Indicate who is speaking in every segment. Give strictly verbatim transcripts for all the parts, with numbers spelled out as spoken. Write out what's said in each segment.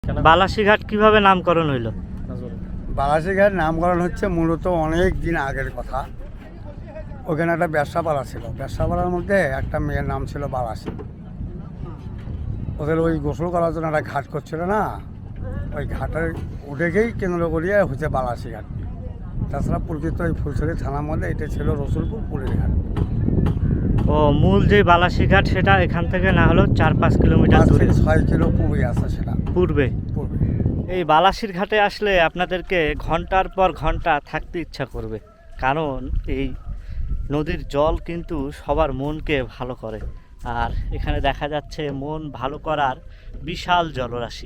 Speaker 1: বালাসীঘাট কিভাবে নামকরণ হইল?
Speaker 2: বালাসীঘাট নামকরণ হচ্ছে মূলত অনেক দিন আগের কথা। ওখানে একটা ব্যবসাপাড়া ছিল, ব্যবসাপাড়ার মধ্যে একটা মেয়ের নাম ছিল বালাসী। ওদের ওই গোসল করার জন্য একটা ঘাট করছিল না, ওই ঘাটের উঠেকেই কেন্দ্র করিয়ে হচ্ছে বালাসীঘাট। তাছাড়া প্রকৃত ওই ফুলছড়ি থানার মধ্যে এটা ছিল রসুলপুর পুরীর ঘাট।
Speaker 1: ও মূল যে বালাসীঘাট সেটা এখান থেকে না হলেও চার পাঁচ কিলোমিটার দূরে,
Speaker 2: ছয় কিলো পূর্বে আছে সেটা।
Speaker 1: পূর্বে
Speaker 2: পূর্বে
Speaker 1: এই বালাসীর ঘাটে আসলে আপনাদেরকে ঘন্টার পর ঘন্টা থাকতে ইচ্ছা করবে, কারণ এই নদীর জল কিন্তু সবার মনকে ভালো করে। আর এখানে দেখা যাচ্ছে মন ভালো করার বিশাল জলরাশি।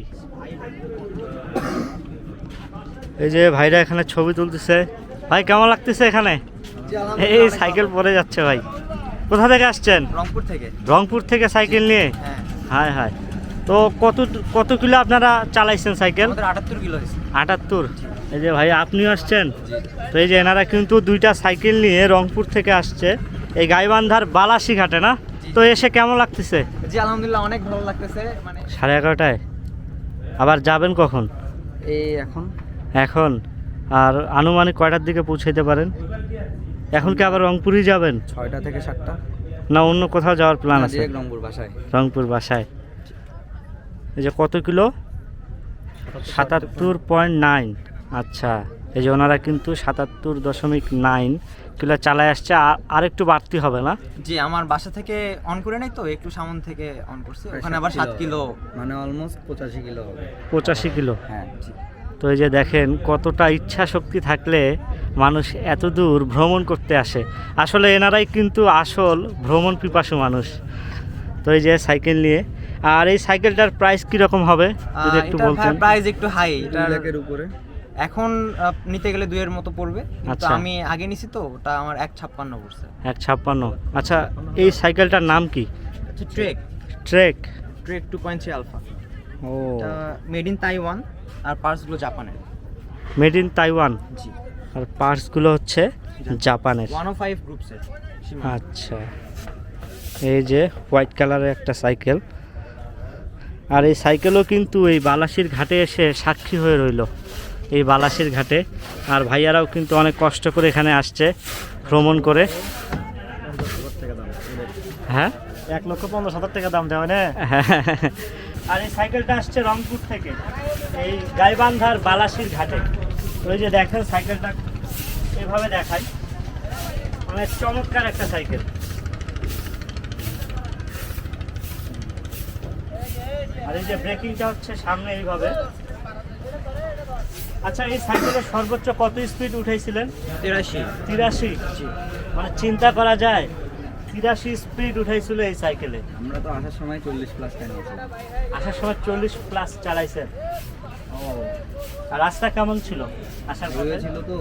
Speaker 1: এই যে ভাইরা এখানে ছবি তুলতেছে। ভাই কেমন লাগতেছে এখানে? এই সাইকেল পড়ে যাচ্ছে ভাই। কোথা থেকে আসছেন?
Speaker 3: রংপুর থেকে।
Speaker 1: রংপুর থেকে সাইকেল নিয়ে?
Speaker 3: হ্যাঁ।
Speaker 1: হায় হায়, তো কত কত কিলো আপনারা চালাইছেন সাইকেল?
Speaker 3: আমাদের আটাত্তর কিলো হয়েছে।
Speaker 1: আটাত্তর। এই যে ভাই আপনিও আসছেন? তো এই যে এনারা কিন্তু দুইটা সাইকেল নিয়ে রংপুর থেকে আসছে এই গাইবান্ধার বালাসী ঘাটে, না? তো এসে কেমন লাগতেছে?
Speaker 3: জি আলহামদুলিল্লাহ অনেক ভালো লাগতেছে। মানে
Speaker 1: সাড়ে এগারোটায় আবার যাবেন কখন?
Speaker 3: এই এখন
Speaker 1: এখন আর আনুমানিক কয়টার দিকে পৌঁছাইতে পারেন? এখন কি আবার রংপুরই যাবেন
Speaker 3: ছয়টা থেকে সাতটা,
Speaker 1: না অন্য কোথাও যাওয়ার প্ল্যান আছে?
Speaker 3: ডিরেক্ট রংপুর বাসায়।
Speaker 1: রংপুর বাসায়। এই যে কত কিলো? সাতাত্তর পয়েন্ট নাইন। আচ্ছা, এই যে ওনারা কিন্তু সাতাত্তর দশমিক নাইন কিলো চালায় আসছে। আর একটু বাড়তি হবে না?
Speaker 3: জি আমার বাসা থেকে অন করে নাই তো, একটু সামন থেকে অন করছি। ওখানে আবার সাত কিলো, মানে অলমোস্ট পঁচাশি কিলো হবে।
Speaker 1: পঁচাশি কিলো।
Speaker 3: হ্যাঁ।
Speaker 1: তো এই যে দেখেন কতটা ইচ্ছা শক্তি থাকলে মানুষ এত দূর ভ্রমণ করতে আসে। আসলে এনারাই কিন্তু আসল ভ্রমণ পিপাসু মানুষ। তো এই যে সাইকেল নিয়ে, আর এই সাইকেলটার প্রাইস কীরকম হবে যদি একটু বলতেন?
Speaker 3: প্রাইস একটু হাই, এটার
Speaker 2: লাখের উপরে।
Speaker 3: এখন আহ, নিতে গেলে দুইয়ের মতো পড়বে, কিন্তু
Speaker 1: আচ্ছা।
Speaker 3: আমি আগে নিছি তো ওটা আমার এক ছাপ্পান্ন পড়ছে।
Speaker 1: এক ছাপ্পান্ন। আচ্ছা, এই সাইকেলটার নাম কি?
Speaker 3: Trek
Speaker 1: Trek.
Speaker 3: Trek two point three Alpha.
Speaker 1: ও,
Speaker 3: এটা মেড ইন তাইওয়ান আর পার্টসগুলো জাপানের।
Speaker 1: Made in Taiwan.
Speaker 3: জি।
Speaker 1: আর পার্টসগুলো হচ্ছে জাপানের।
Speaker 3: ওয়ান ও ফাইভ গ্রুপসের।
Speaker 1: আচ্ছা, এই যে হোয়াইট কালারের একটা সাইকেল। আর এই সাইকেলও কিন্তু এই বালাসীর ঘাটে এসে সাক্ষী হয়ে রইল, এই বালাসীর ঘাটে। আর ভাইয়ারাও কিন্তু অনেক কষ্ট করে এখানে আসছে ভ্রমণ করে। হ্যাঁ,
Speaker 2: এক লক্ষ পঞ্চাশ হাজার টাকা দাম দেওয়া না।
Speaker 1: আর এই সাইকেলটা আসছে রংপুর থেকে এই গাইবান্ধার বালাসীর ঘাটে। ওই যে দেখেন সাইকেলটা এভাবে দেখাই, অনেক চমৎকার একটা সাইকেল। আর এই যে ব্রেকিংটা হচ্ছে সামনে এইভাবে। আচ্ছা, এই সাইকেলের সর্বোচ্চ কত স্পিড উঠাইছিলেন?
Speaker 3: তিরাশি।
Speaker 1: তিরাশি? মানে চিন্তা করা যায়, তিরাশি স্পিড উঠাইছিল এই সাইকেলে।
Speaker 3: আমরা তো আসার সময় চল্লিশ প্লাস চালিয়েছিলাম।
Speaker 1: আসার সময় চল্লিশ প্লাস চালাইছেন? ও, আর রাস্তা কেমন ছিল আসার পথে?
Speaker 3: ছিল তো।